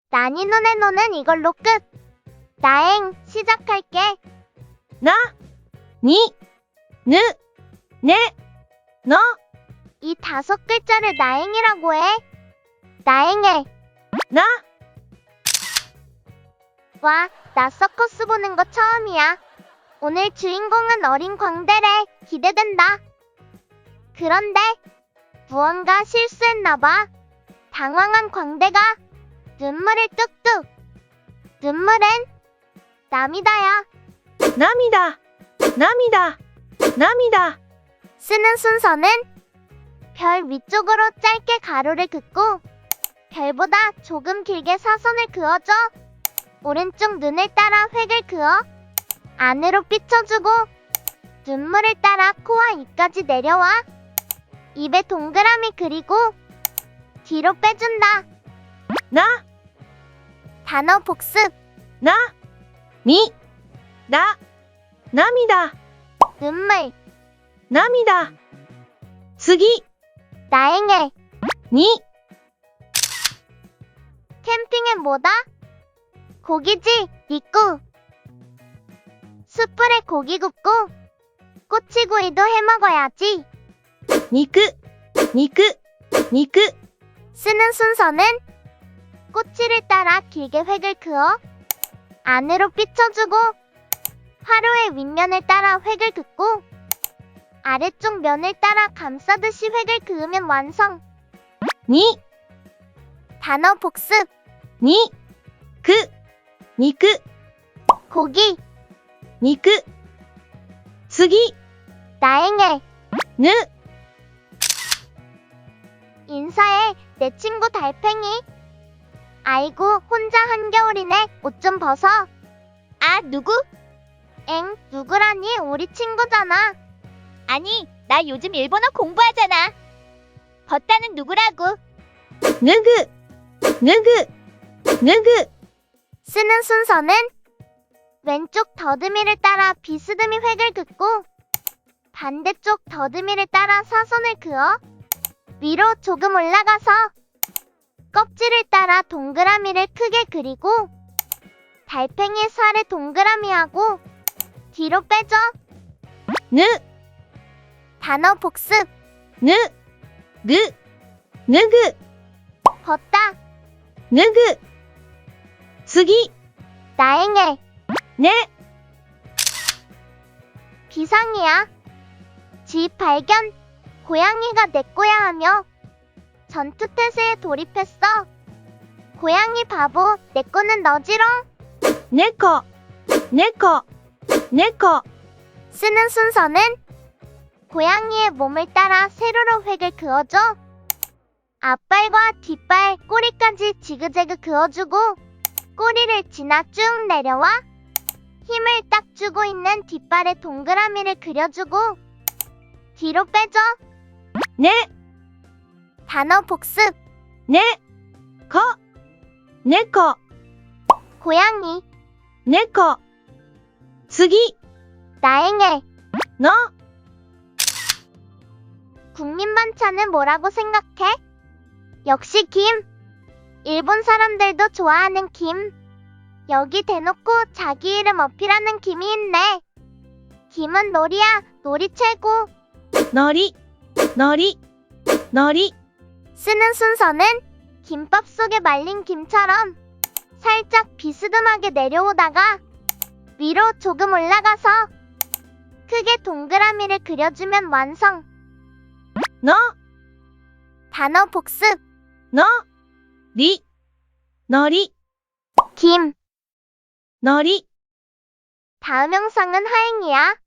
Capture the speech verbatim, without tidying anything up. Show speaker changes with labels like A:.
A: 나니 눈의 노는 이걸로 끝. 나행, 시작할게.
B: 나, 니, 느, 네, 너.
A: 이 다섯 글자를 나행이라고 해. 나행해.
B: 나,
A: 와, 나 서커스 보는 거 처음이야. 오늘 주인공은 어린 광대래. 기대된다. 그런데 무언가 실수했나봐. 당황한 광대가 눈물을 뚝뚝. 눈물은 나미다야.
B: 나미다, 나미다, 나미다.
A: 쓰는 순서는 별 위쪽으로 짧게 가로를 긋고 별보다 조금 길게 사선을 그어줘. 오른쪽 눈을 따라 획을 그어 안으로 삐쳐주고 눈물을 따라 코와 입까지 내려와 입에 동그라미 그리고 뒤로 빼준다.
B: 나,
A: 단어 복습.
B: 나, 미, 나, 나미다,
A: 눈물.
B: 나미다.次,
A: 나행해.
B: 니,
A: 캠핑엔 뭐다? 고기지, 니꾸. 숯불에 고기 굽고 꼬치구이도 해먹어야지.
B: 니크, 니크, 니크.
A: 쓰는 순서는 꼬치를 따라 길게 획을 그어 안으로 삐쳐주고 화로의 윗면을 따라 획을 긋고 아래쪽 면을 따라 감싸듯이 획을 그으면 완성.
B: 니,
A: 단어 복습.
B: 니, 그, 니크,
A: 고기.
B: 니크.次,
A: 나행해.
B: 느,
A: 인사해. 내 친구 달팽이. 아이고, 혼자 한겨울이네. 옷 좀 벗어. 아, 누구? 엥, 누구라니? 우리 친구잖아. 아니, 나 요즘 일본어 공부하잖아. 벗다는 누구라고?
B: 느그, 느그, 느그.
A: 쓰는 순서는 왼쪽 더듬이를 따라 비스듬히 획을 긋고 반대쪽 더듬이를 따라 사선을 그어 위로 조금 올라가서 껍질을 따라 동그라미를 크게 그리고 달팽이 살에 동그라미하고 뒤로 빼줘.
B: 느,
A: 단어 복습.
B: 느, 그, 느그,
A: 벗다.
B: 느그.次,
A: 나행해.
B: 네,
A: 비상이야. 집 발견. 고양이가 내 거야 하며 전투태세에 돌입했어. 고양이 바보, 내 거는 너지롱.
B: 네코, 네코, 네코.
A: 쓰는 순서는 고양이의 몸을 따라 세로로 획을 그어줘. 앞발과 뒷발, 꼬리까지 지그재그 그어주고 꼬리를 지나 쭉 내려와 힘을 딱 주고 있는 뒷발에 동그라미를 그려주고 뒤로 빼줘.
B: 네,
A: 단어 복습.
B: 네, 코, 네코,
A: 고양이.
B: 네코.次,
A: 나행해.
B: 너,
A: 국민 반찬은 뭐라고 생각해? 역시 김. 일본 사람들도 좋아하는 김. 여기 대놓고 자기 이름 어필하는 김이 있네. 김은 놀이야. 놀이 최고.
B: 너리, 너리, 너리.
A: 쓰는 순서는 김밥 속에 말린 김처럼 살짝 비스듬하게 내려오다가 위로 조금 올라가서 크게 동그라미를 그려주면 완성.
B: 너,
A: 단어 복습.
B: 너, 리, 너리,
A: 김.
B: 너리.
A: 다음 영상은 하행이야.